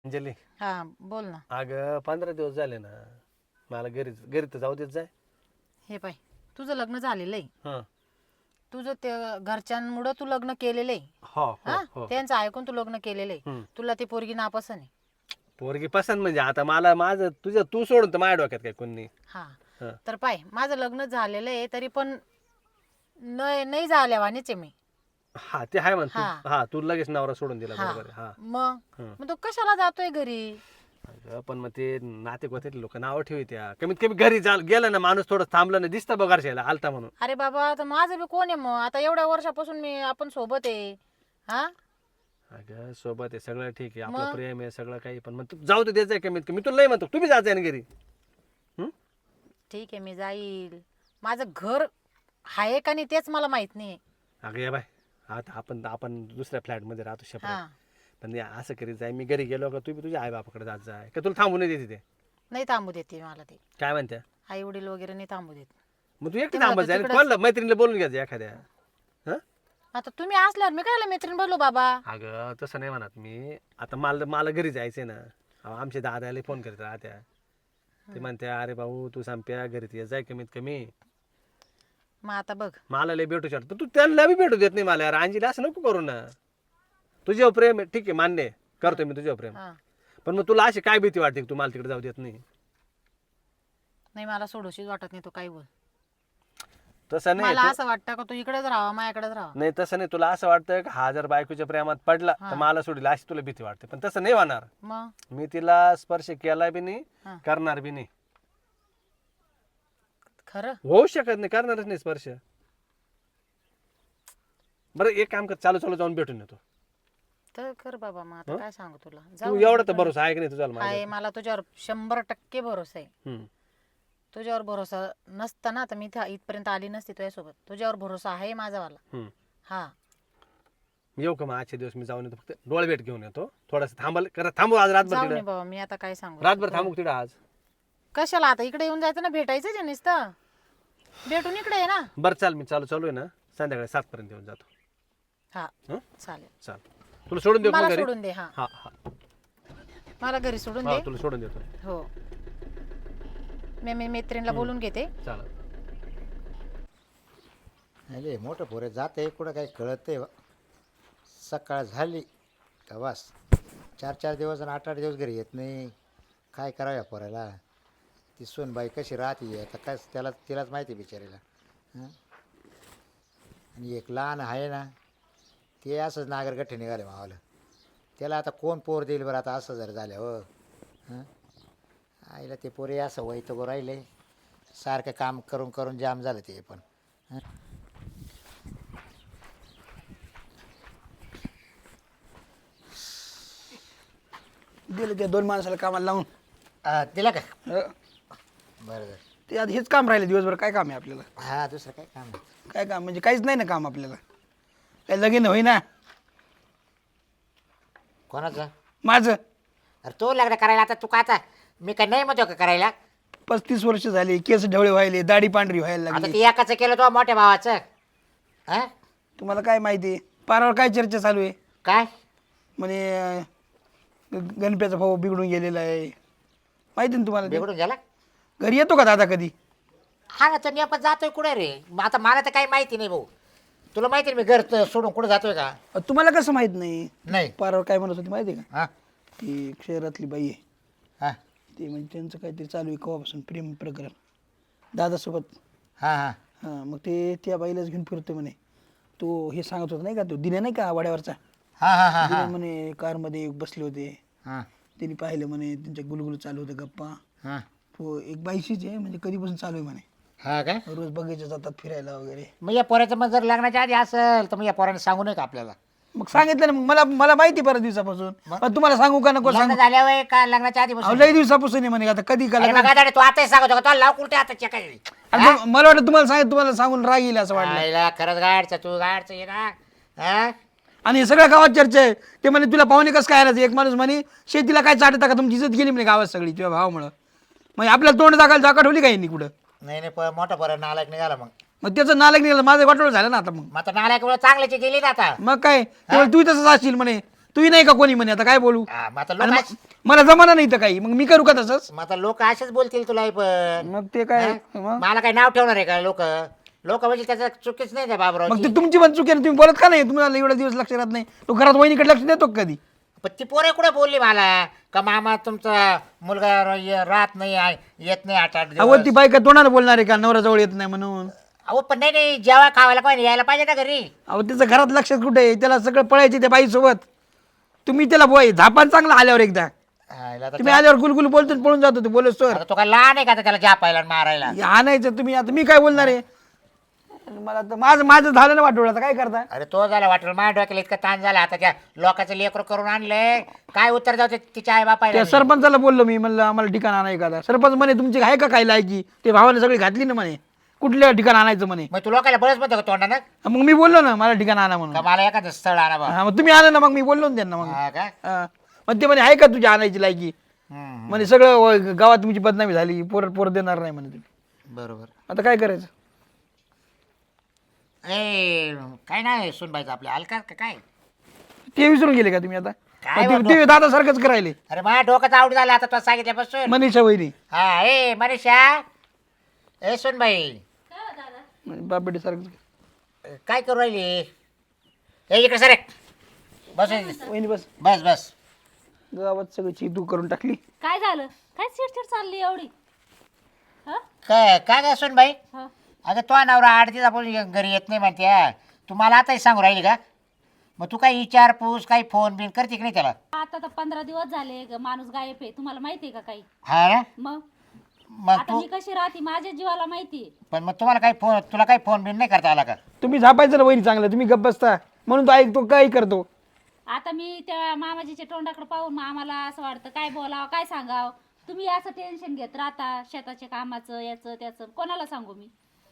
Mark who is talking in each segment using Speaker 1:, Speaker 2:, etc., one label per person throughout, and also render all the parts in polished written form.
Speaker 1: अंजली
Speaker 2: हा बोल ना.
Speaker 1: अगं 15 दिवस झाले ना मला घरी घरी तर जाऊ देत जाय.
Speaker 2: हे पाय तुझं लग्न झालेलं आहे.
Speaker 1: हा
Speaker 2: तुझं ते घरच्यांमुळं तू लग्न केलेलं आहे.
Speaker 1: हो हो
Speaker 2: हा
Speaker 1: हो
Speaker 2: त्यांचं ऐकून तू लग्न केलेलं आहे.
Speaker 1: हम्म.
Speaker 2: तुला ती पोरगी नापसंत आहे.
Speaker 1: पोरगी पसंत म्हणजे आता मला माझं तुझं तू सोडून तर माझ्या डोक्यात काय कोणी.
Speaker 2: हा
Speaker 1: हा
Speaker 2: तर पाय माझं लग्न झालेलं आहे तरी पण नाही झाल्यावानीच आहे मी.
Speaker 1: हा ते आहे म्हण तू.
Speaker 2: हा.
Speaker 1: हा तू लगेच नवरा सोडून दिला
Speaker 2: हा
Speaker 1: बरोबर आहे. हा
Speaker 2: मग
Speaker 1: हं.
Speaker 2: मग तू कशाला जातोय घरी.
Speaker 1: अगं, पण मग ते नाते गोते लोक नावं ठेवत्या कमीत कमी घरी गेलं ना माणूस थोडं थांबलं ना दिसतं बघ घरच्याला आलता म्हणून.
Speaker 2: अरे बाबा तर माझं बी कोण आहे मग आता एवढ्या वर्षापासून आपण सोबत आहे. हा
Speaker 1: अगं सोबत आहे सगळं ठीक आहे आपलं
Speaker 2: मग?
Speaker 1: प्रेम आहे सगळं काही पण मग तू जाऊ दे द्यायचं कमीत कमी तुला नाही म्हणतो तुम्ही जायचं ना घरी.
Speaker 2: ठीक आहे मी जाईल. माझं घर आहे का नाही तेच मला माहित नाही.
Speaker 1: अगं या बाय आता आपण आपण दुसऱ्या फ्लॅटमध्ये राहतो
Speaker 2: हा
Speaker 1: शेपरेट पण असं करीत जाय मी घरी गेलो का तुम्ही तुझ्या आई बापाकडे जात जाय का तुला थांबू नाही देते ते.
Speaker 2: नाही थांबू देते मला ते.
Speaker 1: काय म्हणत्या
Speaker 2: आई वडील वगैरे नाही थांबू देत.
Speaker 1: मग तू एकटी
Speaker 2: ते मला
Speaker 1: थांबत
Speaker 2: तर
Speaker 1: जाय
Speaker 2: तिकडंच-
Speaker 1: कोणला मैत्रिणीला बोलून घ्यायचं एखाद्या. हा
Speaker 2: आता तुम्ही असल्यावर मी काय मैत्रीण बोलू बाबा.
Speaker 1: अगं तसं नाही म्हणत मी आता मला मला घरी जायचंय ना अहो, आमच्या दादाला फोन करत राहत्या ते म्हणत्या अरे भाऊ तू संप्या घरी ये जाय कमीत कमी.
Speaker 2: मग आता बघ
Speaker 1: मला लय भेटू शकतो तू त्यांना बी भेटू देत नाही मला यार अंजीला असं नको करू ना. तुझ्यावर प्रेम आहे ठीक आहे मान्य आहे करतोय मी तुझ्यावर प्रेम
Speaker 2: हा
Speaker 1: पण मग तुला अशी काय भीती वाटते की तू मला तिकडे जाऊ देत नाही.
Speaker 2: नाही मला सोडूशीच वाटत नाही. तू काही बोल.
Speaker 1: तसं नाही
Speaker 2: मला
Speaker 1: तू-
Speaker 2: असं वाटतं का तू इकडेच राहावा माझ्याकडेच राहावा.
Speaker 1: नाही तसं नाही तुला असं वाटतं की हा जर बायकोच्या प्रेमात पडला तर मला सोडील अशी तुला भीती वाटते पण तसं नाही होणार.
Speaker 2: मग
Speaker 1: मी तिला स्पर्श केला बी नाही
Speaker 2: हा.
Speaker 1: करणार बी नाही.
Speaker 2: खरं
Speaker 1: होऊ शकत नाही करणारच नाही स्पर्श. बरं एक काम कर चालू चालू जाऊन भेटून येतो.
Speaker 2: तर कर बाबा. मग आता काय सांगू तुला.
Speaker 1: तू
Speaker 2: जाऊ
Speaker 1: एवढा तर भरोसा आहे की नाही तुझा माझ्यावर?
Speaker 2: आहे मला तुझ्यावर 100% भरोसा आहे.
Speaker 1: हम्म.
Speaker 2: तुझ्यावर भरोसा नसता ना तर मी इथपर्यंत आली नसती तुझ्यासोबत. तुझ्यावर भरोसा आहे माझावाला.
Speaker 1: हम्म.
Speaker 2: हा
Speaker 1: मी येऊ का मग आजचे दिवस मी जाऊन येतो फक्त डोळे भेट घेऊन येतो थोडंसं थांबू आज रातभर
Speaker 2: जाऊ
Speaker 1: तिकडे
Speaker 2: नये बाबा. मी आता काय सांगू.
Speaker 1: रातभर थांबू तिकडे आज.
Speaker 2: कशाला आता इकडे येऊन जायचं ना. भेटायचं आहे नुसतं. भेटून इकडे आहे ना.
Speaker 1: बरं चाल मी चालू आहे ना संध्याकाळी 7 पर्यंत येऊन जातो.
Speaker 2: हा
Speaker 1: हं?
Speaker 2: चालेल.
Speaker 1: चाल तुला सोडून देऊ का
Speaker 2: मला
Speaker 1: घरी.
Speaker 2: सोडून दे. हा
Speaker 1: हा हा
Speaker 2: मला घरी सोडून
Speaker 1: हा
Speaker 2: दे.
Speaker 1: तुला सोडून देतो.
Speaker 2: हो मी मैत्रिणीला बोलून घेते.
Speaker 1: चालेल.
Speaker 3: अरे मोठं पोरं जात आहे कुठं काही कळत आहे. सकाळ झाली का बस 4-4 दिवस आणि 8-8 दिवस घरी येत नाही. काय करावं या पोराला. ती सोनबाई कशी राहते आता काय तिलाच माहिती आहे बिचारीला. हं? आणि एक लहान आहे ना ते असंच नागरगठ्ठे निघाले मावाला. त्याला आता कोण पोर देईल बरं आता असं जर झालं हो. हं? आईला ते पोरे असं वैतगो राहिले सारखं काम करून करून जाम झालं ते पण. हं?
Speaker 4: दिलं त्या 2 माणसाला कामाला लावून.
Speaker 3: दिला का
Speaker 4: अं,
Speaker 3: बरं बरं.
Speaker 4: ते आता हेच काम राहिलं दिवसभर. काय काम आहे आपल्याला.
Speaker 3: हा दुसरं काय काम आहे.
Speaker 4: काय काम म्हणजे काहीच नाही ना काम आपल्याला. काय लगीन होईना
Speaker 3: कोणाचं.
Speaker 4: माझं.
Speaker 3: अरे तू लग्न करायला आता तू का आता मी काय नाही म्हणतो का करायला.
Speaker 4: 35 वर्ष झाली. केस ढवळे व्हायले. दाढी पांढरी व्हायला
Speaker 3: आता
Speaker 4: लागली.
Speaker 3: ती एकाचं केलं तो मोठ्या भावाचं. हा
Speaker 4: तुम्हाला काय माहिती पारावर काय चर्चा चालू आहे.
Speaker 3: काय
Speaker 4: म्हणे गणप्याचा भाऊ बिघडून गेलेला आहे. माहिती ना तुम्हाला ते?
Speaker 3: बिघडून झाला.
Speaker 4: घरी येतो का दादा कधी.
Speaker 3: हा ना तर नेमकं जातोय कुठे रे. मग आता मला तर काही माहिती नाही भाऊ. तुला माहिती आहे मी घर सोडून कुठे जातोय का.
Speaker 4: तुम्हाला कसं माहित नाही.
Speaker 3: नाही.
Speaker 4: पारावर काय म्हणत होती माहिती आहे का.
Speaker 3: हा
Speaker 4: ती शहरातली बाई आहे.
Speaker 3: हा
Speaker 4: ते म्हणजे त्यांचं काहीतरी चालू आहे केव्हापासून प्रेम प्रकरण दादासोबत.
Speaker 3: हा हा
Speaker 4: हां मग ते त्या बाईलाच घेऊन फिरतो म्हणे. तो हे सांगत होता नाही का तो दिन्या नाही का वाड्यावरचा.
Speaker 3: हा हा हा
Speaker 4: दिन्या म्हणे कारमध्ये बसले होते.
Speaker 3: हा
Speaker 4: त्यांनी पाहिलं म्हणे त्यांच्या गुलगुल चालू होतं गप्पा.
Speaker 3: हा
Speaker 4: तो एक बाईशीच आहे म्हणजे कधीपासून चालू आहे म्हणे.
Speaker 3: हा काय.
Speaker 4: रोज बगीचा जातात फिरायला वगैरे.
Speaker 3: मग या पोऱ्याचं मग जर लग्नाच्या आधी असेल तर मग या पोराने सांगू नये का आपल्याला.
Speaker 4: मग सांगितलं ना मग मला माहिती परत दिवसापासून. पण तुम्हाला सांगू का नको
Speaker 3: लग्न
Speaker 4: सांगू.
Speaker 3: झाल्यावर का लग्नाच्या आधी
Speaker 4: अहो, लई दिवसापासून आहे म्हणे आता कधी का
Speaker 3: अरे
Speaker 4: लग्न-
Speaker 3: बघा दादा, तू आताही सांगतो का तुला लाव कुठे आता चेक
Speaker 4: अरे मग मला वाटतं तुम्हाला सांगून राग येईल असं वाटलं.
Speaker 3: खरंच गाडचं तू गाडचं ये ना. हा
Speaker 4: आणि हे सगळ्या गावात चर्चा आहे. ते म्हणे तुला पाहुणे कसं काय आलं. एक माणूस म्हणे शेतीला काय चाटता का तुमची इज्जत गेली म्हणे गावात सगळी तुझ्या भावामुळं. मग आपल्याला तोंड जागा ठेवली काही नाही कुठं.
Speaker 3: नाही नाही मोठा पोरा नालायक निघाला मग.
Speaker 4: मग त्याचं नालायक निघालं माझं वाटोळ झालं ना आता. मग
Speaker 3: मग आता नालायक चांगल्याची गेली ना आता.
Speaker 4: मग काय तेव्हा तू तसंच असशील म्हणे. तूही नाही का कोणी म्हणे आता काय बोलू
Speaker 3: हा, मग आता
Speaker 4: आणि
Speaker 3: लोक
Speaker 4: मला जमाना नाही तर काही मग मी करू का तसंच
Speaker 3: मग आता लोक असेच बोलतील तुला पण
Speaker 4: मग ते काय
Speaker 3: हा?
Speaker 4: मग
Speaker 3: मला काय नाव ठेवणार आहे का लोक लोक म्हणजे त्याचं चुकीच नाही त्या
Speaker 4: मग
Speaker 3: बाबराव
Speaker 4: ते तुमची पण चुकी आहे ना, तुम्ही बोलत का नाही तुम्हाला एवढा दिवस लक्ष राहत नाही तो घरात वहिनीकडे लक्ष देतो का कधी
Speaker 3: पण ती पोरे कुठे बोलली मला का मामा तुमचा मुलगा राहत नाही येत नाही 8-8
Speaker 4: अहो ती
Speaker 3: दिवस
Speaker 4: बायका तोंडाने बोलणार आहे का नवरा जवळ येत नाही म्हणून
Speaker 3: अहो पण नाही जेव्हा खावायला पाहिजे यायला पाहिजे ना घरी
Speaker 4: अहो त्याचं घरात लक्ष कुठे आहे त्याला सगळं पळायचे त्या बाईसोबत तुम्ही त्याला बोय झापान चांगला आल्यावर एकदा
Speaker 3: हायला तर
Speaker 4: तुम्ही आल्यावर गुलगुल बोलतो आणि पळून जातो बोलत
Speaker 3: आता तो काय लहान आहे का आता त्याला जापायला आणि मारायला
Speaker 4: आणायचं तुम्ही आता मी काय बोलणार आहे मला तर माझं झालं ना वाटवलं आता काय करता
Speaker 3: अरे तो झाला वाटलं माझ्या डोक्याला इतका ताण झाला आता त्या लोकांचं लेकर करून आणलंय काय उत्तर जाऊ तिच्या आई बापायला
Speaker 4: त्या सरपंचाला बोललो मी म्हणलं आम्हाला ठिकाण आणाय का सरपंच म्हणे तुमची आहे का काय लायकी ते भावाने सगळी घातली ना म्हणे कुठल्या ठिकाण आणायचं म्हणे
Speaker 3: मग तू लोकांना बरंच म्हणतो का तोंडानं
Speaker 4: मग मी बोललो ना मला ठिकाण आणा म्हणून
Speaker 3: का मला एखादं स्थळ आणा बा
Speaker 4: हा मग तुम्ही आणा ना मग मी बोललो ना त्यांना मग
Speaker 3: हा का
Speaker 4: हा. मग ते म्हणे आहे का तुझी आणायची लायकी
Speaker 3: हम्म,
Speaker 4: म्हणे सगळं गावात तुमची बदनामी झाली पोर देणार नाही म्हणे तुम्ही
Speaker 3: बरोबर
Speaker 4: आता काय करायचं
Speaker 3: ए काय नाही सुनबाईचं आपल्या अलका का काय
Speaker 4: ते विसरून गेले का तुम्ही आता
Speaker 3: काय
Speaker 4: मग ते दादा सारखंच करायले
Speaker 3: अरे माझ्या डोक्याचं आवड झालं आता तुला सांगितल्यापासून
Speaker 4: मनीषा वहिनी
Speaker 3: हा ए मनीषा ए सुनबाई
Speaker 4: बापेटी सारखंच
Speaker 3: काय करू राहिली ए इकडे सर बस
Speaker 4: वहिनी बस
Speaker 3: बस बस
Speaker 4: गावात सगळी चीतू करून टाकली
Speaker 2: काय झालं काय चिडचिड चालली एवढी हा
Speaker 3: काय काय काय सुनबाई
Speaker 2: हा
Speaker 3: अगं तो नवरा 8 दिवस आपण घरी येत नाही म्हणते तू मला आताही सांगू राहिली का मग तू काही विचारपूस काही फोन बिन करते की नाही त्याला
Speaker 5: आता तर 15 दिवस झाले माणूस गायब आहे तुम्हाला माहिती आहे का काही
Speaker 3: हा ना
Speaker 5: मग
Speaker 3: मग
Speaker 5: आता
Speaker 3: तू
Speaker 5: मी कशी राहते माझ्या जीवाला माहिती आहे.
Speaker 3: पण मग तुम्हाला काही फोन तुला काही फोन बिन नाही करता आला का
Speaker 4: तुम्ही झापायचं ना वहिनी चांगलं तुम्ही गप्प बसता म्हणून तो ऐकतो काही करतो
Speaker 5: आता मी त्या मामाजीच्या तोंडाकडे पाहून मग आम्हाला असं वाटतं काय बोलावं काय सांगावं तुम्ही असं टेन्शन घेत राहता शेताच्या कामाचं याचं त्याचं कोणाला सांगू मी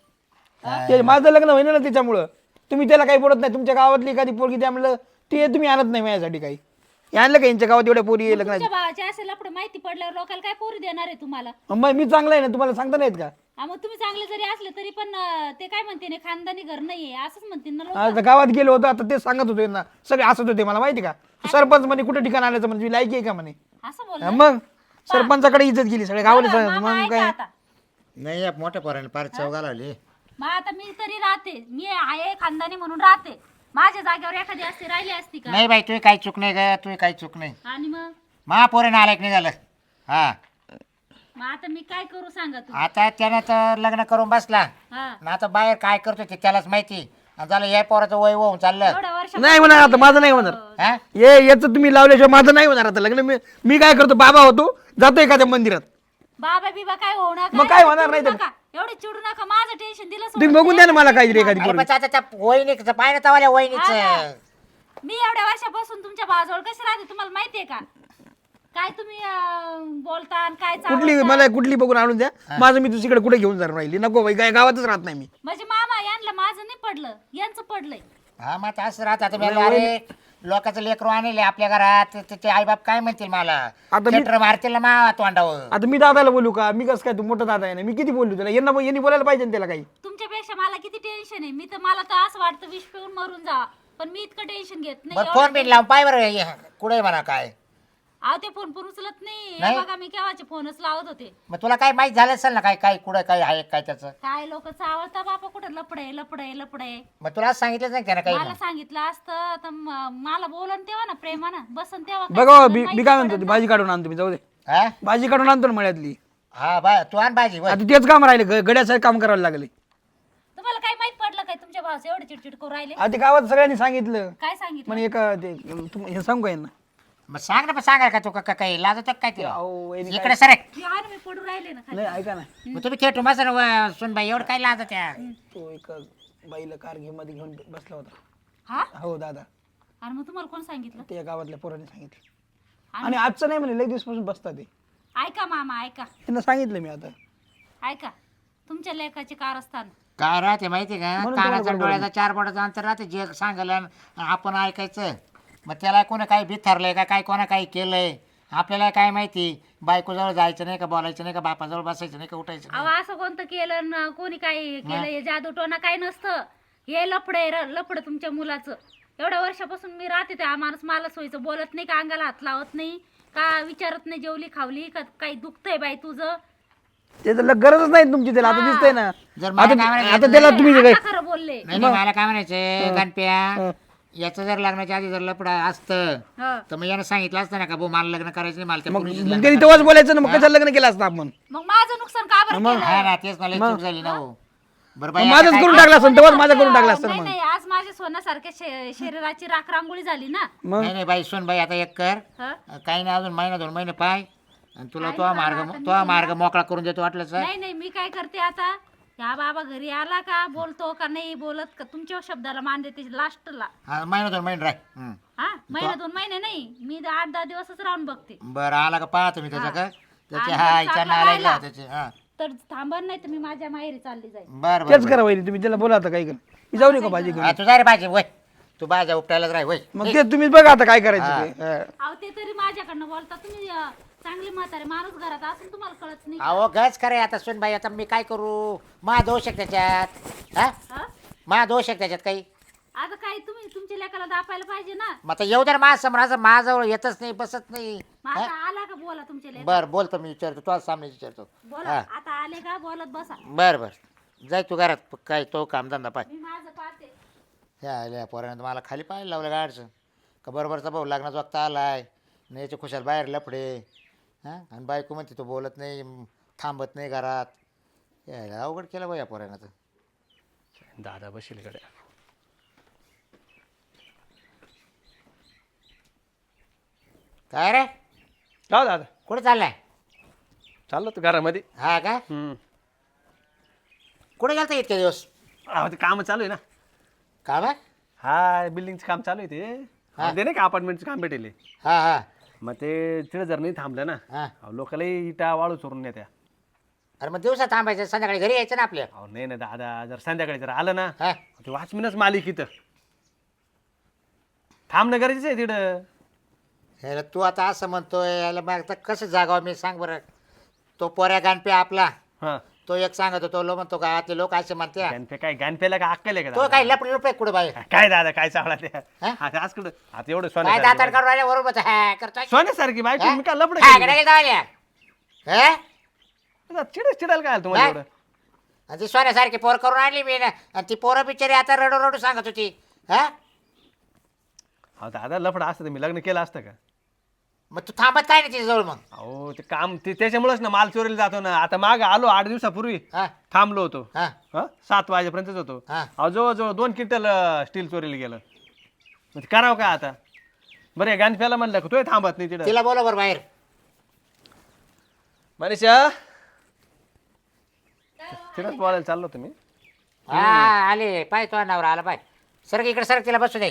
Speaker 4: ते माझं लग्न होईना ना त्याच्यामुळं तुम्ही त्याला काही बोलत नाही तुमच्या गावातली एखादी पोरगी त्यामुळं ते तुम्ही आणत नाही माझ्यासाठी काही हे आणलं का यांच्या गावात एवढ्या पोरी लग्नाची
Speaker 5: तुमच्या भावाचे असेल लपडे माहिती पडल्यावर लोकांना काय पोरी देणार आहे तुम्हाला
Speaker 4: मग मी चांगला आहे ना तुम्हाला सांगता नाहीत का
Speaker 5: हा, मग तुम्ही चांगले जरी असले तरी पण ते काय म्हणते ना खानदानी घर नाहीये असंच म्हणतील ना लोक
Speaker 4: आता गावात गेलो होतो आता ते सांगत होते ना सगळे हसत होते मला माहिती का सरपंच म्हणे कुठे ठिकाण आणायचं म्हणजे लायकी आहे का म्हणे
Speaker 5: असं बोल
Speaker 4: हा, मग सरपंचाकडे इज्जत गेली सगळ्या गावाने सांगितलं
Speaker 5: मामा
Speaker 4: मग
Speaker 5: ऐका
Speaker 4: काय
Speaker 5: आता
Speaker 3: नाही या मोठ्या पोराने फार चौगा लावली
Speaker 5: मग आता मी तरी राहते मी आहे खानदानी म्हणून राहते माझ्या जागेवर एखादी असती राहिली असती का
Speaker 3: नाही बाई तुही काही चूक नाही ग तुही काही चूक नाही
Speaker 5: आणि मग
Speaker 3: महापोराने आलाय नाही झालं हा
Speaker 5: मग आता मी काय करू सांगा तू
Speaker 3: आता त्यानं तर लग्न करून बसला
Speaker 5: हा
Speaker 3: आणि आता बाहेर काय करतो ते त्यालाच माहिती आणि झालं या पोराचं वय होऊन चाललं
Speaker 5: एवढ्या वर्ष
Speaker 4: नाही म्हणा आता माझं नाही होणार
Speaker 3: हा
Speaker 4: ये याचं तुम्ही लावल्याशिवाय माझं नाही होणार आता लग्न मी काय करतो बाबा होतो जातो एखाद्या मंदिरात
Speaker 5: बाबा बिबा काय होऊ नका
Speaker 4: मग काय होणार नाही तर?
Speaker 5: एवढे चिडू नका माझं टेन्शन दिलं
Speaker 4: तुम्ही
Speaker 5: सोडून.
Speaker 4: बघून द्या ना मला काहीतरी एखादी
Speaker 3: अरे
Speaker 4: पोरगी.
Speaker 3: पण आता त्या वहिनीचं पाहिलं तवाल्या वहिनीचं
Speaker 5: हा. मी एवढ्या वर्षापासून तुमच्या बाजूला कशी राहते तुम्हाला माहितीये का काय तुम्ही बोलता आणि काय
Speaker 4: कुठली
Speaker 5: चालवता?
Speaker 4: मला कुठली बघून आणून द्या माझं मी दुसरीकडे कुठे घेऊन जाणार राहिली नको बाई काय गावातच राहत नाही मी
Speaker 5: म्हणजे मामा यांना माझं नाही पडलं यांचं पडलंय
Speaker 3: हा मग आता असं राहत आता मी अरे लोकांचं लेकरू आणले आपल्या घरात ते आईबाप काय म्हणतील मला
Speaker 4: आता मी-
Speaker 3: थिएटर मारतील ना मा तोंडावर
Speaker 4: आता मी दादाला बोलू का मी कसं काय तू मोठा दादा आहे ना मी किती बोलू त्याला यांनी बोलायला पाहिजे ना त्याला काही
Speaker 5: तुमच्यापेक्षा मला किती टेन्शन आहे मी तर मला तर असं वाटतं विष पिऊन मरून जा पण मी इतकं टेन्शन घेत नाही
Speaker 3: बरं फोन बिन लावून पाय बरं कुठे म्हणा काय
Speaker 5: अहो ते फोन पण उचलत नाही
Speaker 3: नाही?
Speaker 5: हे बघा मी केव्हाचे फोनच लावत होते
Speaker 3: मग तुला काय माहित झालं असेल ना काय काय कुठं काय आहे काय त्याचं
Speaker 5: काय लोक चावळता बापा कुठं लपडे लपडे लपडे
Speaker 3: मग तुला आज सांगितलंच नाही त्यानं काही
Speaker 5: मला सांगितलं असतं तर मला बोलन तेव्हा ना प्रेमानं बसन तेव्हा काय
Speaker 4: बघा
Speaker 5: सांगून
Speaker 4: मी
Speaker 5: माहिती
Speaker 4: काय म्हणतो
Speaker 5: पडन
Speaker 4: ती
Speaker 5: ना.
Speaker 4: भाजी काढून आणतो मी जाऊ दे
Speaker 3: हा
Speaker 4: भाजी काढून आणतो ना मळ्यातली
Speaker 3: हा बा तू आण भाजी वय
Speaker 4: आता तेच काम राहिले गड्यासारखं काम करायला लागले
Speaker 5: तुम्हाला काय माहित पडलं काय तुमच्या भावाचं एवढे चिडचिड करू राहिले
Speaker 4: आता ते गावात सगळ्यांनी सांगितलं
Speaker 5: काय सांगितलं
Speaker 4: म्हणे एक ते हे सांगू का यांना
Speaker 3: मग सांग ना पण सांगाल का तू का काही लाजत काय तिला
Speaker 4: अहो, वहिनी काय-
Speaker 3: इकडे सर
Speaker 5: यार मी पडू राहिले ना खाली.
Speaker 4: नाही ऐका ना
Speaker 3: मग तुम्ही खेटू मस्त सुनबाई एवढं काय लाजत त्या
Speaker 4: तो एक बाईला कार मध्ये घेऊन बसला होता
Speaker 5: हा
Speaker 4: हो दादा
Speaker 5: आणि मग तुम्हाला कोण सांगितलं
Speaker 4: ते गावातल्या पोरांनी सांगितलं आणि आजचं नाही म्हणे लई दिवसपासून बसतात ते
Speaker 5: ऐका मामा ऐका
Speaker 4: त्यांना सांगितलं मी आता
Speaker 5: ऐका तुमच्या लेखाचे कारस्थान
Speaker 3: काय राहते माहिती का
Speaker 4: म्हणून
Speaker 3: कानाचा
Speaker 4: तुम्हाला
Speaker 3: डोळ्याचा 4 बोटाचं अंतर राहते जे सांगायला आपण ऐकायचं मग त्याला कोणी काही बिथरलंय का काय कोणा काही केलंय आपल्याला काय माहिती बायकोजवळ जायचं नाही का बोलायचं नाही का बापाजवळ बसायचं नाही का उठायचं नाही.
Speaker 5: अहो असं कोणतं केलं न कोणी काय केलं हे जादू टोना काय नसतं हे लफड तुमच्या मुलाचं एवढ्या वर्षापासून मी राहते त्या माणूस मला सोयीचं बोलत नाही का, अंगाला हात लावत नाही का, विचारत नाही जेवली खावली का, काही दुखतंय बाई तुझं.
Speaker 4: ते तर गरजच नाही तुमची त्याला आता दिसतंय ना.
Speaker 3: जर मला काय
Speaker 4: आता
Speaker 3: म्हणायचं
Speaker 4: आता त्याला तुम्ही काय
Speaker 5: आता खरं बोलले.
Speaker 3: नाही नाही, मला काय म्हणायचं गणप्या, याचं जर लग्नाच्या आधी जर लपडा असतं
Speaker 5: हं.
Speaker 3: तर मग यानं सांगितलं असतं ना का भाऊ मला लग्न करायचं नाही, मला त्या
Speaker 4: मग
Speaker 3: पोरीशीच
Speaker 4: मग
Speaker 3: लग्न
Speaker 4: त्यांनी तेव्हाच बोलायचं ना, मग कशाला लग्न केलं असतं आपण.
Speaker 5: मग माझं नुकसान का बरं केलं?
Speaker 3: हा ना, तेच मला चूक झाली ना हो. बरं बाई,
Speaker 4: मग
Speaker 3: आता
Speaker 4: माझंच
Speaker 3: काय-
Speaker 4: करून टाकलं असतं तेव्हाच माझं करून टाकलं असतं ना
Speaker 5: नाही
Speaker 4: मग.
Speaker 5: नाही, आज माझ्या सोन्यासारख्या शरीराची राख रांगोळी झाली ना.
Speaker 4: मग
Speaker 3: नाही नाही बाई, सुन बाई, आता एक कर,
Speaker 5: हं?
Speaker 3: काही नाही अजून महिना 2 महिने पाय, आणि तुला तो मार्ग मोकळा करून देतो वाटलं सर.
Speaker 5: नाही नाही, मी काय करते आता, ह्या बाबा घरी आला का बोलतो का नाही बोलत का, तुमच्या शब्दाला मान देते लास्टला.
Speaker 3: हा, महिना 2 महिने राह.
Speaker 5: हा, महिना 2 महिने नाही, मी 8-10 दिवसच राहून बघते.
Speaker 3: बरं आला का पाहतो मी त्याच्या का त्याचे
Speaker 5: आणि
Speaker 3: हा
Speaker 5: जर
Speaker 3: इच्छा
Speaker 5: चांगला
Speaker 3: नालायक
Speaker 5: राहिला.
Speaker 3: लावा त्याचे. हा
Speaker 5: तर थांबा, नाही तर मी माझ्या माहेरी चालली जाईल.
Speaker 3: बरं
Speaker 4: तेच
Speaker 3: बरं
Speaker 4: करा वहिनी, तुम्ही त्याला बोला आता काय कर. मी जाऊ नये का भाजी घेऊन.
Speaker 3: हा, तू जा रे भाजी वय, तू भाज्या उपटायलाच राह वय.
Speaker 4: मग ते तुम्ही बघा आता काय करायचं ते. हा.
Speaker 5: अहो ते तरी माझ्याकडनं बोलता तुम्ही. चांगले म्हातारे माणूस घरात असून तुम्हाला कळत नाही.
Speaker 3: अहो गच करे आता सुन बाई, आता मी काय करू, मा दोष आहे त्याच्यात. हा,
Speaker 5: हा?
Speaker 3: मा दोष आहे त्याच्यात काही.
Speaker 5: आता काय तुम्ही तुमच्या लेकाला दापायला पाहिजे ना.
Speaker 3: मग आता येऊ दर मा समोर, असं माझ्याजवळ येतच नाही, बसत नाही.
Speaker 5: मग आता आला का बोला तुमच्या लेका.
Speaker 3: बर बोलतो मी, विचारतो तुझ्या सामने विचारतो.
Speaker 5: बोला,
Speaker 3: हा.
Speaker 5: आता आले का बोलत बसा.
Speaker 3: बर बर, जाय तू घरात, काय तो कामधंदा पाय.
Speaker 5: मी माझं पाहते.
Speaker 3: ह्या आल्या पोरानं मला खाली पाहायला लावलं गाडचं का, बरोबरचा भाऊ लग्नाचा वक्त आलाय, नाही याच्या खुशाल बाहेर लफडे. हां, आणि बायको म्हणते तो बोलत नाही, थांबत नाही घरात. यायला अवघड केलं बा या पोरानं तर.
Speaker 1: दादा बसेल कडे.
Speaker 3: काय रे,
Speaker 1: का दादा
Speaker 3: कुठे चाललाय?
Speaker 1: चाललो तू घरामध्ये.
Speaker 3: हा का, कुठे गेलता इतके दिवस?
Speaker 1: अहो ते काम चालू आहे ना.
Speaker 3: काम आहे?
Speaker 1: हा, बिल्डिंगचं काम चालू आहे ते. ते नाही का अपार्टमेंटचं काम भेटेल.
Speaker 3: हा हा
Speaker 1: मग ते तिथे जर नाही थांबलं ना,
Speaker 3: हा.
Speaker 1: अहो लोकांना इटा वाळू चोरून नेत्या.
Speaker 3: अरे मग दिवसा थांबायचं, संध्याकाळी घरी यायचं ना आपल्या.
Speaker 1: अहो नाही ना दादा, जर संध्याकाळी जर आलं ना,
Speaker 3: हा,
Speaker 1: ते वॉचमॅनच मालिक इथं थांबणं गरजेचं आहे तिथं.
Speaker 3: ह्याला तू आता असं म्हणतोय, याला मग आता कसं जागावं मी सांग बरं. तो पोऱ्या गाणपे आपला,
Speaker 1: हा,
Speaker 3: तो एक सांगत होतो, लो म्हणतो का आतले लोक असे म्हणते,
Speaker 1: गणपे काय गणपेला काय अक्कल आहे का
Speaker 3: तो
Speaker 1: दादा?
Speaker 3: काय लपडे लुपडे कुठे बाहेर
Speaker 1: काय दादा काय चावला त्या
Speaker 3: हा?
Speaker 1: आता आज कुठं आता एवढं
Speaker 3: काय दातार
Speaker 1: सोन्यासारखी
Speaker 3: काढून राहिले बरोबर हा करतोय.
Speaker 1: सोन्यासारखी बायको
Speaker 3: हा?
Speaker 1: मी काय लपड
Speaker 3: हा, कडे गेलता वाल्या. हा?
Speaker 1: चिडायला काय आलं तुम्हाला
Speaker 3: काय?
Speaker 1: एवढं?
Speaker 3: आणि ती सोन्यासारखी पोर करून आणली मी ना, आणि ती पोरं बिचारी आता रडू रडू सांगत होती. हा,
Speaker 1: अहो दादा लफडा असतं तर मी लग्न केलं असतं का?
Speaker 3: मग तू थांबत काय नाही तिच्याजवळ मग?
Speaker 1: अहो ते काम ते त्याच्यामुळेच ना माल चोरीला जातो ना. आता माग आलो 8 दिवसापूर्वी
Speaker 3: हा
Speaker 1: थांबलो होतो.
Speaker 3: हा
Speaker 1: 7 वाजेपर्यंतच होतो.
Speaker 3: हा.
Speaker 1: अहो जवळजवळ 2 क्विंटल स्टील चोरीला गेलं. मग ते करावं का आता? बरं गणप्याला म्हणलं का तोही थांबत नाही तिथं.
Speaker 3: तिला बोला बरं बाहेर.
Speaker 1: मनीषा तिथंच बोलायला चाललो तुम्ही.
Speaker 3: हा आले पाय, तो नवरा आला पाय. सरक इकडे, सरक तिला बसू दे.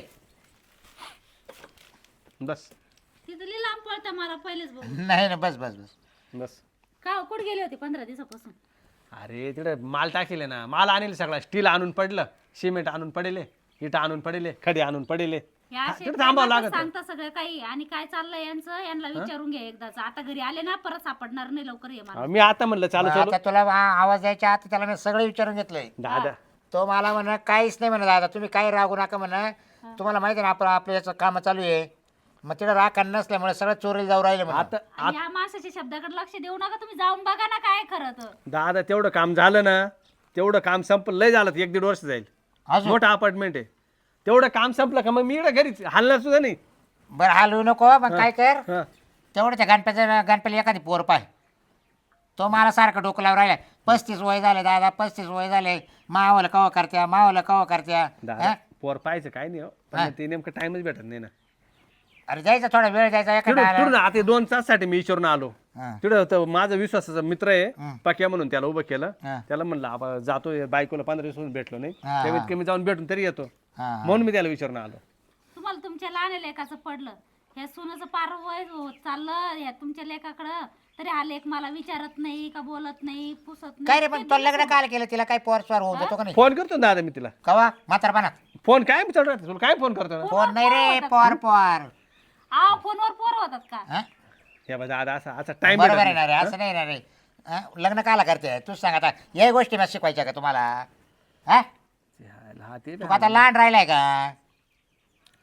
Speaker 1: बस
Speaker 5: तिथं लई लांब पळता मला पहिलेच बघून.
Speaker 3: नाही ना, बस बस बस.
Speaker 1: बस.
Speaker 5: का कुठे गेले होते 15 दिवसापासून?
Speaker 1: अरे तिकडे माल टाकेले ना, माल आणले सगळा. स्टील आणून पडलं, सिमेंट आणून पडेले, इटा आणून पडेले, खडे आणून पडेले.
Speaker 5: या असे
Speaker 1: तिकडे थांबावं
Speaker 5: प्रेमाचं
Speaker 1: लागत.
Speaker 5: सांगता सगळं काही. आणि काय चाललंय यांचं, यांना विचारून घ्या एकदाच. आता घरी आले ना परत सापडणार नाही, लवकर ये मला.
Speaker 1: मी आता म्हणलं चालू चालू
Speaker 3: आता तुला आवाज द्यायच्या आता त्याला मी सगळं विचारून घेतलंय.
Speaker 1: दादा
Speaker 3: तो मला म्हणा काहीच नाही म्हणा, दादा तुम्ही काही रागू नका म्हणा. तुम्हाला माहिती आहे ना आपण आपलं याचं काम चालू आहे. मग तिकडे राग नसल्यामुळे सगळं चोरीला जाऊ राहिले म्हणा.
Speaker 1: आता
Speaker 5: आणि या माणसाच्या शब्दाकडे लक्ष देऊ नका तुम्ही. जाऊन बघा ना काय खरं तर.
Speaker 1: दादा तेवढं काम झालं ना, तेवढं काम संपलं. लय झालं 1-1.5 वर्ष जाईल.
Speaker 3: अजून
Speaker 1: मोठा अपार्टमेंट आहे. तेवढं काम संपलं का मग मी इकडे घरीच हलणार सुद्धा नाही.
Speaker 3: बरं हलवू नको. मग काय कर,
Speaker 1: हा.
Speaker 3: तेवढं त्या गणपतीला एखादी पोर पाय. तो मला सारखं डोकं लावून राहिला. 35 वय झाले दादा, 35 वय झाले. मावाला कवा करत्या, मावाला कवा करत्या.
Speaker 1: दादा
Speaker 3: हा?
Speaker 1: पोर पाहायचं काय नाही हो.
Speaker 3: हा.
Speaker 1: पण ते नेमकं टाइमच भेटत नाही ना.
Speaker 3: अरे जायचं थोडा वेळ जायचा
Speaker 1: तिकडून
Speaker 3: एखादा.
Speaker 1: आता 2 तासासाठी मी विचारून आलो.
Speaker 3: हा.
Speaker 1: तिकडं होतं माझा विश्वासाचा मित्र आहे
Speaker 3: हं.
Speaker 1: पक्या म्हणून, त्याला उभं केलं.
Speaker 3: हा.
Speaker 1: त्याला म्हणलं आपण जातो, बायकोला 15 दिवस भेटलो नाही,
Speaker 3: हा.
Speaker 1: कमीत कमी जाऊन भेटून तरी येतो.
Speaker 3: हा.
Speaker 1: म्हणून मी त्याला विचारून आलो.
Speaker 5: तुम्हाला तुमच्या लहान लेखाचं पडलं, ह्या सुनाचं पार वय होत चाललं ह्या तुमच्या लेखाकडं, तरी हा लेख मला विचारत नाही का, बोलत नाही, पुसत
Speaker 3: काय रे
Speaker 5: नाही.
Speaker 3: पण तो लग्न काल केलं तिला काय पोर स्वार होऊ देतो का नाही?
Speaker 1: फोन करतो ना दादा मी तिला.
Speaker 3: कवा म्हातारपणात?
Speaker 1: फोन काय विचारतो राहते तुला, काय फोन करतो ना?
Speaker 3: फोन नाही रे, पोर पोर.
Speaker 5: आ फोनवर पोर होतात का?
Speaker 3: हा?
Speaker 1: हे बघा दादा असा टाइम
Speaker 3: बरोबर आहे ना रे, असं नाही ना रे. हा? लग्न काला करते तूच सांग आता. या गोष्टी मला शिकवायच्या का तुम्हाला? हा
Speaker 1: ते
Speaker 3: तू आता लहान राहिलाय का?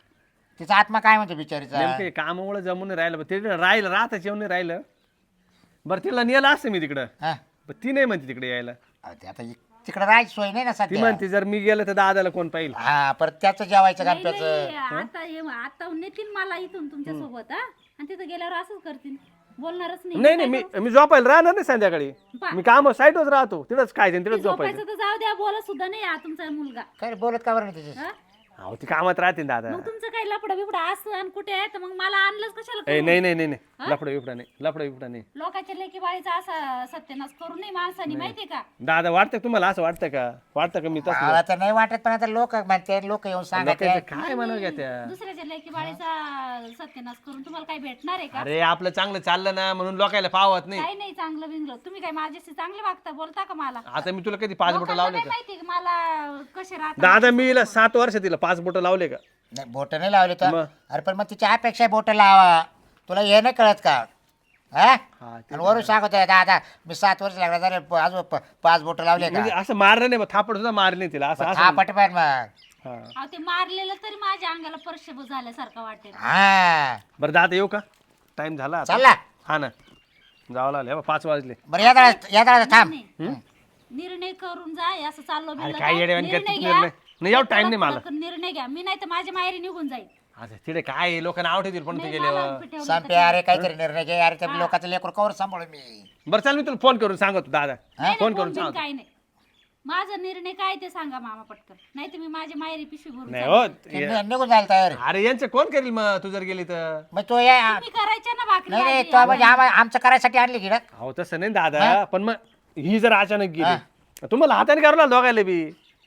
Speaker 3: तिचा आत्मा काय म्हणतो बिचारीचा
Speaker 1: नेमके कामामुळे जमून नाही राहिलं ते राहिलं राहताच येऊन नाही राहिलं. बरं तिला नेलं असतं मी तिकडं,
Speaker 3: हा
Speaker 1: पण ती नाही म्हणते तिकडे यायला.
Speaker 3: अहो, ते आता तिकडे राहायची सोय नाही ना
Speaker 1: ती
Speaker 3: सध्या
Speaker 1: म्हणते जर मी गेलं तर दादाला कोण पाहिजे.
Speaker 3: हा परत त्याचं जेवायचं
Speaker 5: नाही,
Speaker 3: गणपतीचं
Speaker 5: नाही, आता नेतील मला इथून तुमच्या सोबत हा आणि तिथं गेल्यावर असंच करतील, बोलणारच नाही.
Speaker 1: नाही नाही मी झोपायला राहणार नाही संध्याकाळी.
Speaker 5: पा.
Speaker 1: मी काम साईटच राहतो, तिथंच खायचं आणि तिथंच झोपायचं.
Speaker 5: झोपायचं तर जाऊ द्या, बोलत सुद्धा नाही हा तुमचा मुलगा.
Speaker 3: काय रे, बोलत का बरं नाही तिचे
Speaker 5: हा?
Speaker 1: अहो ती कामात राहते ना दादा.
Speaker 5: मग तुमचं काही लपडा बिपडा असं आणि कुठे आहे तर मग मला आणलंच कशाला
Speaker 1: ए
Speaker 5: करून?
Speaker 1: नाही नाही नाही नाही लफडा बिफडा नाही, लफडा बिफडा नाही.
Speaker 5: लोकांच्या लेकी बाळीचा असा सत्यानाश करू नये माणसाने, माहितीये का?
Speaker 1: दादा वाटतं का तुम्हाला असं वाटतं का? वाटतं का मी तसं
Speaker 3: मला तर नाही वाटत पण आता लोक म्हणते लोक येऊन सांगत
Speaker 1: लोकांचं काय म्हणा घ्या त्या.
Speaker 5: दुसऱ्याच्या लेकी बाळीचा सत्यानाश करून तुम्हाला काही भेटणार आहे का?
Speaker 1: अरे आपलं चांगलं चाललं ना म्हणून लोकायला पावत नाही.
Speaker 5: काही नाही चांगलं बिंगलं. तुम्ही काय माझ्याशी चांगले वागता, बोलता का मला?
Speaker 1: आता मी तुला कधी 5 बोटं
Speaker 5: लोकांना
Speaker 1: लावले
Speaker 5: नाही
Speaker 1: का?
Speaker 5: माहिती का मला कसे राहतात?
Speaker 1: दादा मी हिला 7 वर्ष तिला 5 बोटं लावले का?
Speaker 3: नाही बोट नाही लावले तर
Speaker 1: मग?
Speaker 3: अरे पण मग तिच्या अपेक्षा बोट लावा तुला हे नाही कळत का हा आणि वरून सांगत आहे दादा मी 7 वर्ष लागला झाले अजून 5 बोट लावले का
Speaker 1: म्हणजे असं मारलं नाही, थापड सुद्धा मारली नाही तिला असं
Speaker 3: हा
Speaker 1: असं.
Speaker 3: पटपट मग
Speaker 1: हा.
Speaker 5: अहो, ते मारलेलं तरी माझ्या अंगाला परशेब झाल्यासारखं वाटेल.
Speaker 3: हा
Speaker 1: बरं दादा येऊ का? टाइम झाला आता.
Speaker 3: चालला
Speaker 1: हा ना जावं लागले 5 वाजले.
Speaker 3: बरं या थांब
Speaker 5: नाही. निर्णय करून जा, असं चाललो
Speaker 1: अरे
Speaker 5: बिललो
Speaker 1: काय
Speaker 5: ना.
Speaker 1: येड्यावानी
Speaker 5: निर्णय
Speaker 1: करते
Speaker 5: घ्या.
Speaker 1: निर्णय. नाही एवढा टाइम नाही मला.
Speaker 5: कडक निर्णय घ्या. मी नाही तर माझ्या माहेरी निघून जाईल.
Speaker 1: आता तिथे काय लोक नाव ठेवतील पण ते
Speaker 5: नाही,
Speaker 1: गेल्यावर.
Speaker 5: मला पिठवलं तर
Speaker 3: संपे अरे काहीतरी निर्णय घे अरे त्या लोकांचं लेकर कवर सांभाळू मी
Speaker 1: बरं चाल मी तुला फोन करून सांगतो दादा.
Speaker 5: नाही,
Speaker 1: फोन
Speaker 5: नाही,
Speaker 1: करून
Speaker 5: बिन
Speaker 1: सांगतो.
Speaker 5: काय नाही. माझा निर्णय काय ते सांगा मामा पटकन, नाही तर मी माझ्या माहेरी पिशवी भरून
Speaker 1: नाही
Speaker 5: चालले.
Speaker 1: हो
Speaker 3: निघून जायला तयार आहे.
Speaker 1: अरे यांचं कोण करेल मग तू जर गेली तर?
Speaker 3: मग तो या
Speaker 5: तुम्ही करायच्या ना भाकरी
Speaker 3: नाही नाही
Speaker 5: भाजी.
Speaker 3: तो म्हणजे आमचं करायसाठी आणली की ना
Speaker 1: हो तसं नाही दादा, पण मग ही जर अचानक गेली तुम्हाला हाताने करावं लागलं दोघायला बी.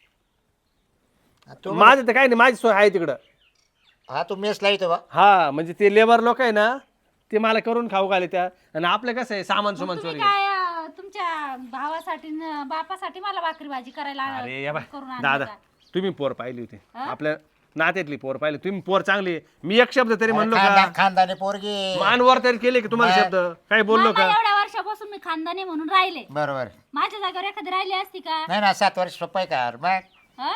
Speaker 3: तू
Speaker 1: माझं तर काही नाही, माझी सोय आहे तिकडं.
Speaker 3: हा तू मेस लावतो बा
Speaker 1: हा म्हणजे ते लेबर लोक आहे ना ते मला करून खाऊ घाले त्या. आणि आपलं कसं आहे सामान सुमान
Speaker 5: तुम्ही
Speaker 1: चोरी.
Speaker 5: काय तुमच्या भावासाठी न बापासाठी मला भाकरी भाजी करायला
Speaker 1: अरे या बाय
Speaker 5: करून आणलं
Speaker 1: दादा
Speaker 5: का?
Speaker 1: तुम्ही पोर पाहिली होती
Speaker 5: हा?
Speaker 1: आपल्या नात्यातली पोर पाहिली तुम्ही. पोर चांगली आहे. मी एक शब्द तरी म्हणलो का?
Speaker 3: खानदानी पोरगी
Speaker 1: मानवर तरी केले की तुम्हाला शब्द काही बोललो
Speaker 5: मामा,
Speaker 1: का?
Speaker 5: एवढ्या वर्षापासून मी खानदानी म्हणून राहिले.
Speaker 3: बरोबर
Speaker 5: माझ्या जागेवर एखादी राहिली असती का?
Speaker 3: नाही ना 7 वर्ष सोपं आहे का मग
Speaker 5: हं?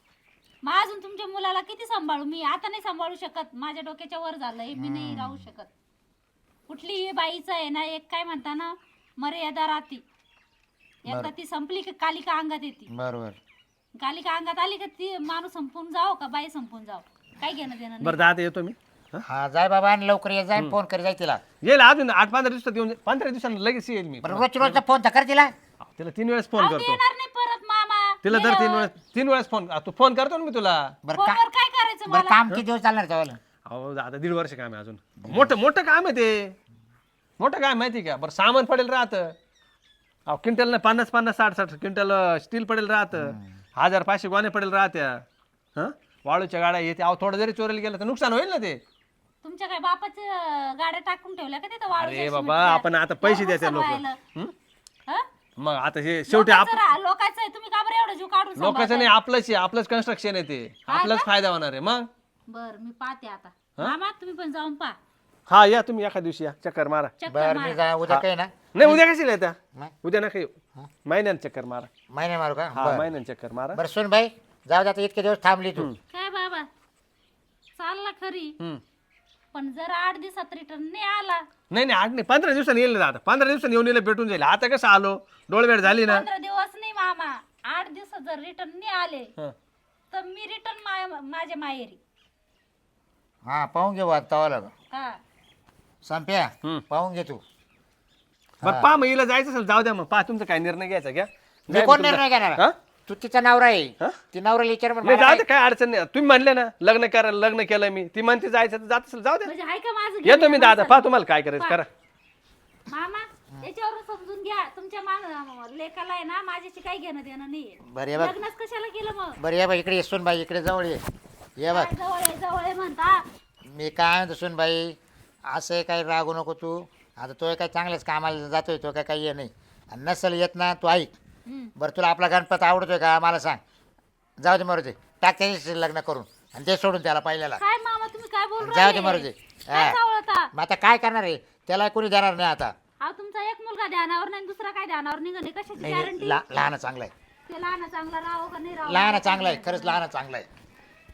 Speaker 5: मग अजून तुमच्या मुलाला किती सांभाळू? मी आता नाही सांभाळू शकत, माझ्या डोक्याच्या वर झालंय, मी नाही राहू शकत. कुठलीही बाईचं आहे ना एक काय म्हणता ना मर्यादा राहती. एकदा ती संपली की कालिका अंगात येते.
Speaker 3: बरोबर
Speaker 5: कालिका अंगात आली का ती माणूस संपून जाओ का बाई संपून जाओ, काय घेणं देणं नाही.
Speaker 1: बरं दादा येतो मी.
Speaker 3: हा जाय बाबा आणि लवकर ये जाय फोन कर जाय तिला
Speaker 1: येईल अजून 8-15 दिवसात येऊन 15 दिवसांना लगेच येईल मी.
Speaker 3: बरं रोजचा फोन तर कर तिला
Speaker 1: तिला 3 वेळेस फोन
Speaker 5: अहो,
Speaker 1: करतो.
Speaker 5: येणार नाही परत मामा.
Speaker 1: तिला दर 3 वेळेस फोन तू फोन करतो ना मी तुला.
Speaker 3: बरं
Speaker 5: फोनवर काय करायचं
Speaker 3: बरं
Speaker 5: मला?
Speaker 3: काम किती दिवस चालणार त्याला
Speaker 1: अहो दादा 1.5 वर्ष काम आहे अजून. मोठं काम आहे ते. मोठं काय माहिती का? बरं सामान पडेल राहतं. अहो क्विंटल ना 50-50 60-60 क्विंटल स्टील पडेल राहतं. 1000-500 गोणे पडेल राहत्या. हं वाळूच्या गाड्या येते. अहो थोडं जरी चोरीला गेलं तर नुकसान होईल ना ते.
Speaker 5: तुमच्या काय बापाच्या गाड्या टाकून ठेवल्या का तिथं वाळूच्या
Speaker 1: अरे बाबा
Speaker 5: सिमेंटच्या?
Speaker 1: आपण आता पैसे द्यायचे लोक.
Speaker 5: सांभाळायला. हं?
Speaker 1: मग आता हे शेवटी
Speaker 5: लोकांचं आहे, तुम्ही का बरं एवढं जीव काढून
Speaker 1: लोकांचं नाही आपलंच आहे. आपलंच कन्स्ट्रक्शन आहे ते. आपलाच फायदा होणार आहे मग.
Speaker 5: बर मी पाहते आता. मामा तुम्ही पण जाऊन पहा,
Speaker 1: हा या तुम्ही एका दिवशी या चक्कर मारा.
Speaker 5: चक्कर
Speaker 3: बरं मी
Speaker 5: मारा.
Speaker 3: जा उद्या काही ना
Speaker 1: नाही उद्या कशी येत्या?
Speaker 3: नाही.
Speaker 1: उद्या नका येऊ. महिन्यानं चक्कर मारा.
Speaker 3: महिने मारू का
Speaker 1: हा
Speaker 3: बरं
Speaker 1: महिन्यानं चक्कर मारा.
Speaker 3: बरं सुन बाई जाऊ दे आता इतके दिवस थांबली तू
Speaker 5: काय बाबा चालला खरी,
Speaker 1: हम्म.
Speaker 5: पण जर 8 दिवसात रिटर्न नाही आला,
Speaker 1: नाही 8 नाही 15 दिवसांनी येईल ना दादा. 15 दिवसांनी येऊन येईल भेटून जाईल. आता कसं आलो डोळवेळ झाली ना.
Speaker 5: 15 दिवस नाही मामा, 8 दिवसात जर रिटर्न नाही आले
Speaker 1: हं.
Speaker 5: तर मी रिटर्न माझ्या माहेरी.
Speaker 3: हा पाहून घे वाद तवाला
Speaker 5: हा
Speaker 3: संप्या
Speaker 1: हम्म.
Speaker 3: पाहून घे तू
Speaker 1: बरं पा मग हिला जायचं असेल जाऊ द्या मग. पा तुमचा काय निर्णय घ्यायचा घ्या.
Speaker 3: मी
Speaker 1: जाय
Speaker 3: कोण
Speaker 1: मग तुमचा.
Speaker 3: निर्णय घेणार
Speaker 1: हा?
Speaker 3: तू तिचा नवरा आहे
Speaker 1: हा?
Speaker 3: ती नवऱ्याला विचार
Speaker 1: नाही जाऊ दे काय अडचण नाही. तुम्ही म्हणले ना लग्न करा लग्न केलं मी. ती म्हणते जायचं तर जात असेल जाऊ द्या.
Speaker 5: म्हणजे आहे का माझं
Speaker 1: येतो मी
Speaker 5: घेणं
Speaker 1: दादा.
Speaker 5: माणसाचं?
Speaker 1: पा तुम्हाला काय करायचं करा.
Speaker 5: मामा याच्यावरून समजून घ्या तुमच्या लेखाला आहे ना माझ्याशी काही घेणं देणं नाहीये.
Speaker 3: बरं ये बघ
Speaker 5: लग्नच कशाला केलं मग?
Speaker 3: बरं ये बघ इकडे ये सुन बाई इकडे जवळ ये बघ
Speaker 5: काय जवळ आहे म्हणता.
Speaker 3: मी काय म्हणतो सुन बाई असं काही रागू नको तू आता तो काय चांगल्याच कामाला जातोय तो काय काही हे नाही आणि नसेल येत ना तू ऐक बरं तुला आपला गणपती आवडतोय का मला सांग जाऊ दे मरू दे टाक त्याच्याशी लग्न करून आणि ते सोडून त्याला पहिल्याला
Speaker 5: काय मामा तुम्ही काय बोल
Speaker 3: जाऊ दे मरू दे
Speaker 5: काय चावळता?
Speaker 3: मग आता काय करणार आहे त्याला कोणी देणार नाही आता
Speaker 5: अहो तुमचा एक मुलगा ध्यानावर नाही दुसरा काय ध्यानावर निघणे कशाची गॅरंटी?
Speaker 3: लहान चांगलं आहे
Speaker 5: ते लहान चांगला राहो का नाही राहो?
Speaker 3: लहान चांगलं आहे खरंच लहान चांगलं आहे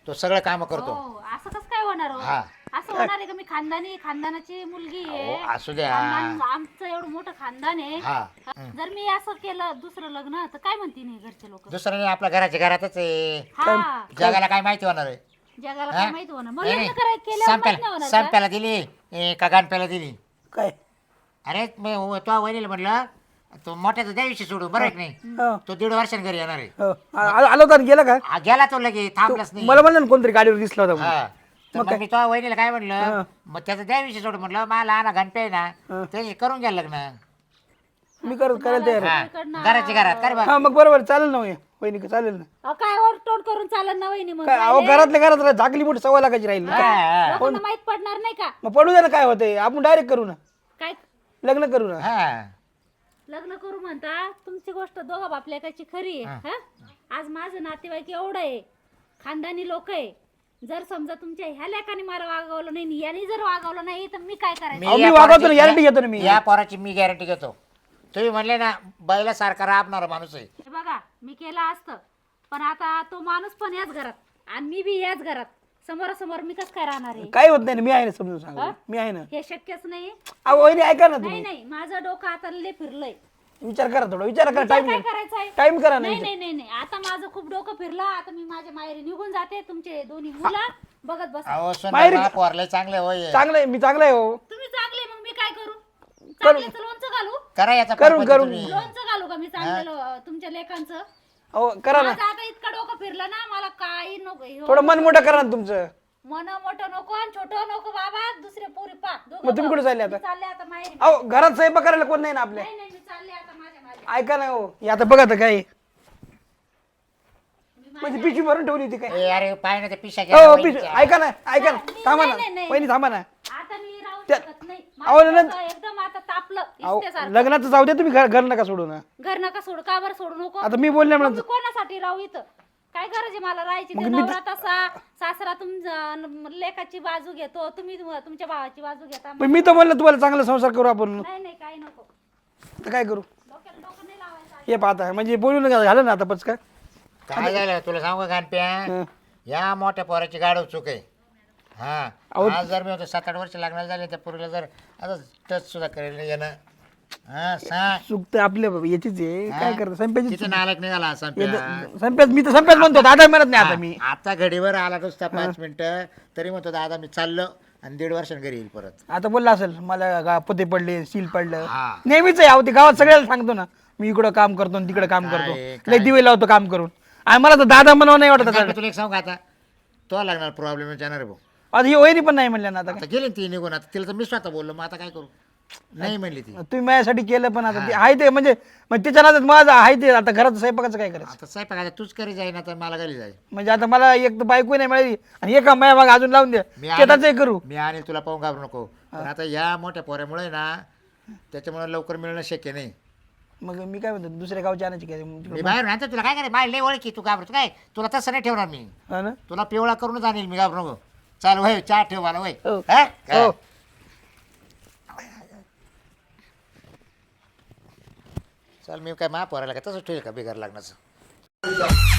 Speaker 3: तो सगळं काम करतो.
Speaker 5: हो असं कसं काय होणार हो?
Speaker 3: हा.
Speaker 5: असं होणार आहे का? मी खानदानाची मुलगी आहे.
Speaker 3: अहो, असू द्या.
Speaker 5: आमचं एवढं मोठं खानदान आहे.
Speaker 3: हा.
Speaker 5: जर मी असं केलं दुसरं लग्न तर काय म्हणतील हे घरचे लोक?
Speaker 3: दुसरं नाही, आपल्या घराच्या घरातच आहे.
Speaker 5: हा
Speaker 3: जगाला काय माहिती होणार आहे?
Speaker 5: जगाला
Speaker 3: हा?
Speaker 5: काय माहित होणार? मग
Speaker 3: नाही,
Speaker 5: लग्न
Speaker 3: नाही.
Speaker 5: करायला केल्यावर माहित नाही होणार का?
Speaker 3: संप्याला दिली का गाणप्याला दिली?
Speaker 4: काय
Speaker 3: अरे मी तो वहिनीला म्हटलं तो मोठ्याचा द्याविषयी सोडू बरं आहे की नाही?
Speaker 4: हो.
Speaker 3: तो 1.5 वर्षांनी घरी येणार आहे.
Speaker 4: हो. आलो होता गेला का
Speaker 3: गेला तो लगे थांबलाच नाही.
Speaker 4: मला म्हणलं ना कोणतरी गाडीवर दिसला होता म्हणून.
Speaker 3: हा. तर मग मी तो वहिनीला काय म्हणलं, मग त्याचा द्याविषयी सोडू म्हटलं, मला लहान गणपे आहे ना त्याची करून घ्या लग्न.
Speaker 4: मी करायला तयार आहे.
Speaker 3: हा. घराच्या घरात कर बा.
Speaker 4: हा मग बरोबर चालेल ना वहिनी का चालेल ना.
Speaker 5: अहो, काय ओरटोड करून चालत ना वहिनी? मग
Speaker 4: काय अहो घरातल्या घरात झाकली मोठी सवय लागायची राहील ना.
Speaker 5: लोकांना माहित पडणार नाही का?
Speaker 4: मग पडू दे ना, काय होतंय आपण डायरेक्ट करू ना,
Speaker 5: काय
Speaker 4: लग्न करू ना.
Speaker 3: हा.
Speaker 5: लग्न करू म्हणता? तुमची गोष्ट दोघा बापलेकाची खरी आहे. हा? आज माझं नातेवाईक एवढं आहे, खानदानी लोक आहे. जर समजा तुमच्या ह्या लेखाने मला वागवलं नाही, याने जर वागवलं नाही तर मी काय करायचं?
Speaker 4: अहो, मी वागवतो ना, गॅरंटी घेतो ना मी.
Speaker 3: या पोराची मी गॅरंटी घेतो. तुम्ही म्हणले ना बैला सारखा राबणारा माणूस आहे.
Speaker 5: हे बघा मी केलं असतं, पण आता तो माणूस पण याच घरात आणि मी बी याच घरात, समोरासमोर मी कसं काय राहणार आहे?
Speaker 4: काय होत नाही ना, मी आहे ना, समजून सांगा मी आहे ना.
Speaker 5: हे शक्यच नाही.
Speaker 4: अहो वहिनी ऐका ना
Speaker 5: नाही
Speaker 4: तुम्ही,
Speaker 5: नाही, माझं डोकं आता लय फिरलंय.
Speaker 4: विचार करा थोडा, विचार करा.
Speaker 5: विचार
Speaker 4: टाइम
Speaker 5: काय करायचा आहे?
Speaker 4: टाइम करा ना.
Speaker 5: नाही नाही नाही नाही, आता माझं खूप डोकं फिरलं. आता मी माझ्या माहेरी निघून जाते. तुमचे दोन्ही मुलं बघत बस.
Speaker 3: अहो
Speaker 4: माहेरी-
Speaker 3: सोना पोरले चांगले होय.
Speaker 4: चांगलं आहे, मी चांगलं आहे हो.
Speaker 5: तुम्ही चांगले, मग मी काय करू? चांगल्याचं लोणचं घालू?
Speaker 3: करा याचा
Speaker 4: करून-
Speaker 3: परपंच
Speaker 4: करून.
Speaker 3: तुम्ही.
Speaker 5: लोणचं घालू का मी चांगलं तुमच्या लेखांचं?
Speaker 4: अहो करा ना,
Speaker 5: माझं आता इतकं डोकं फिरलं ना, मला काही नको. हे
Speaker 4: थोडं मन मोठं करा ना तुमचं.
Speaker 5: मन मोठं नको आणि छोटं नको बाबा. दुसरे पोरी पा.
Speaker 4: मग तुम्ही कुठे चालले आता?
Speaker 5: चालले आता माहेरी.
Speaker 4: अहो घरात स्वयंपाक करायला कोण नाही ना आपल्या.
Speaker 5: नाही नाही, मी चालले आता माझ्या माहेरी.
Speaker 4: ऐका ना हो, हे आता बघा तर काय म्हणजे पिशवी भरून ठेवली होती काय.
Speaker 3: ए, अरे पाय ना ते पिशा
Speaker 4: हो पिशवी, ऐका ना ऐका ना, थांबा ना
Speaker 5: नाही, नाही.
Speaker 4: वहिनी, थांबा ना.
Speaker 5: आता मी राहू
Speaker 4: त्या-
Speaker 5: शकत नाही.
Speaker 4: अहो,
Speaker 5: माझं
Speaker 4: नंद-
Speaker 5: डोकं एकदम आता तापलं
Speaker 4: अहो
Speaker 5: इस्तेसारखं.
Speaker 4: लग्नाचं जाऊ दे, तुम्ही घर नका सोडू ना.
Speaker 5: घर नका सोडू. का बरं सोडू नको?
Speaker 4: आता मी बोलल्या
Speaker 5: मग
Speaker 4: म्हणून
Speaker 5: मी कोणासाठी राहू इथं? काय गरज आहे मला राहायची? ते नवरा तसा, सासरा तुमचा लेकाची बाजू घेतो, तुम्ही तुमच्या भावाची बाजू घेता.
Speaker 4: पण मी तर म्हणलं तुम्हाला चांगला संसार करू आपण.
Speaker 5: नाही नाही, काही नको.
Speaker 4: तर काय करू
Speaker 5: डोक्याला डोकं नाही लावायचं.
Speaker 4: हे पाहता म्हणजे बोलून झालं ना आता पच काय.
Speaker 3: काय झालं तुला सांगू का गणप्या? या मोठ्या पोराची गाडव चूक आहे. हा. आज जर मी होतो 7-8 वर्ष लागणार झाले त्या पोरीला जर आता टच सुद्धा करेल नाही येणं. हा सांग.
Speaker 4: चूक तर आपल्या याचीच आहे, काय करत संप्याची
Speaker 3: तिथे नालायक निघाला संप्या.
Speaker 4: संप्याच, मी तर संप्याच म्हणतो, दादा म्हणत नाही आता मी.
Speaker 3: आता घडीवर आला नुसता 5 मिनिटं तरी म्हणतो दादा मी चाललो आणि 1.5 वर्षांनी घरी येईल परत.
Speaker 4: आता बोलला असेल मला पोते पडले, सील पडलं.
Speaker 3: हा.
Speaker 4: नेहमीच आहे अहो, ते गावात सगळ्याला सांगतो ना, मी इकडं काम करतो आणि तिकडे काम करतो. लय दिवे लावतो काम करून. आणि मला तर दादा म्हणावं नाही वाटत आता.
Speaker 3: मी तुला एक सांगू का आता तो लागणार प्रॉब्लेम येणार आहे भाऊ.
Speaker 4: आता ही वहिनी पण नाही म्हणल्या ना आता काय.
Speaker 3: आता गेली ना ती निघून. आता तिला तर मी स्वतः बोललो मग आता काय करू. नाही म्हणली ती.
Speaker 4: तुम्ही माझ्यासाठी केलं पण आता ते आहे ते म्हणजे मग त्याच्या नादात माझं आहे ते. आता घरात स्वयंपाकाचं काय करायचं
Speaker 3: आता स्वयंपाक आता तूच करी जाई ना तर मला घरी जाई.
Speaker 4: म्हणजे आता मला एक तर बायको नाही मिळाली आणि एक माझ्या माग अजून लावून द्या, शेताचंही करू.
Speaker 3: मी आणि तुला पाहून घाबरू नको. पण आता या मोठ्या पोऱ्यामुळे ना त्याच्यामुळे लवकर मिळणं शक्य नाही.
Speaker 4: मग मी काय म्हणतो दुसऱ्या गावच्या आणायची काय
Speaker 3: मी बाहेर राहतो तुला काय करायचं माझी लय ओळखी तू घाबरतो काय. तुला तसं नाही ठेवणार मी.
Speaker 4: हा ना.
Speaker 3: तुला पिवळा करूनच आणील मी घाबरू नको. चाल वय चहा ठेव मला वय.
Speaker 4: हो.
Speaker 3: हा?
Speaker 4: हो.
Speaker 3: चल मी काय महापोरायला का तसंच ठेवेल का बिगार लागण्याचं.